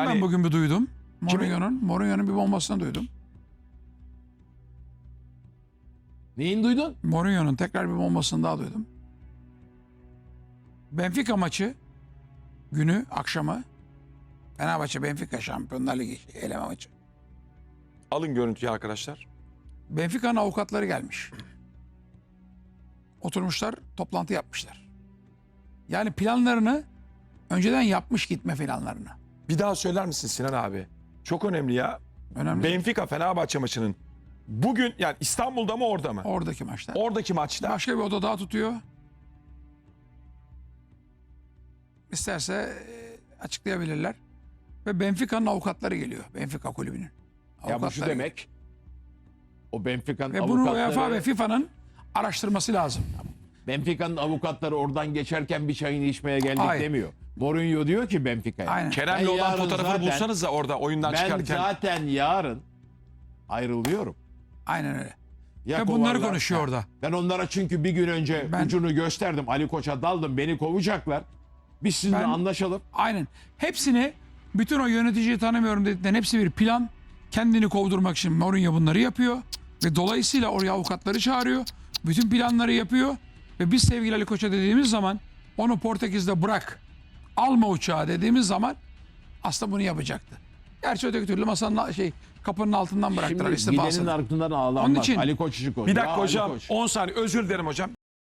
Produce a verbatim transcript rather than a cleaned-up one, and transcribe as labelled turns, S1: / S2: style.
S1: yani,
S2: ben bugün bir duydum. Mourinho'nun Mourinho'nun bir bombasını duydum.
S3: Neyin duydun?
S2: Mourinho'nun tekrar bir bombasını daha duydum. Benfica maçı günü akşamı Fenerbahçe Benfica Şampiyonlar Ligi eleme maçı.
S1: alın görüntüyü arkadaşlar.
S2: Benfica'nın avukatları gelmiş. Oturmuşlar, toplantı yapmışlar. Yani planlarını önceden yapmış gitme planlarını.
S1: Bir daha söyler misin Sinan abi? Çok önemli ya.
S2: Önemli.
S1: Benfica Fenerbahçe maçının bugün, yani İstanbul'da mı orada mı?
S2: Oradaki maçta.
S1: Oradaki maçta.
S2: Başka bir oda daha tutuyor. İsterse e, açıklayabilirler. Ve Benfica'nın avukatları geliyor. Benfica kulübünün.
S3: Ya bu şu
S2: Avukatları
S3: demek. O Benfica'nın
S2: Ve bunu UEFA ve
S3: avukatları,
S2: FIFA'nın araştırması lazım.
S3: Benfica'nın avukatları oradan geçerken bir çayını içmeye geldik
S2: Hayır.
S3: demiyor. Mourinho diyor ki Benfica'ya.
S2: Aynen.
S1: Kerem'le
S3: Ben
S1: olan
S3: yarın
S1: fotoğrafını
S3: zaten-
S1: bulsanız da orada oyundan
S3: Ben
S1: çıkarken.
S3: zaten yarın ayrılıyorum.
S2: Aynen öyle.
S3: Ya
S2: Ve bunları
S3: kovarlar-
S2: konuşuyor
S3: Ha.
S2: orada.
S3: Ben onlara çünkü bir gün önce
S2: Ben-
S3: ucunu gösterdim. Ali Koç'a daldım. Beni kovacaklar. Biz sizinle
S2: Ben-
S3: anlaşalım.
S2: Aynen. Hepsini, bütün o yöneticiyi tanımıyorum dediklerin hepsi bir plan. Kendini kovdurmak için Mourinho bunları yapıyor. Ve dolayısıyla oraya avukatları çağırıyor. Bütün planları yapıyor. Ve biz sevgili Ali Koç'a dediğimiz zaman onu Portekiz'de bırak. Alma uçağı dediğimiz zaman aslında bunu yapacaktı. Gerçi öteki türlü masanın şey kapının altından bıraktılar
S3: Şimdi gidenin
S2: istifasını.
S3: ardından ağlanmaz.
S2: Onun için-
S3: Ali Koç için
S1: Bir dakika hocam, on saniye özür dilerim hocam.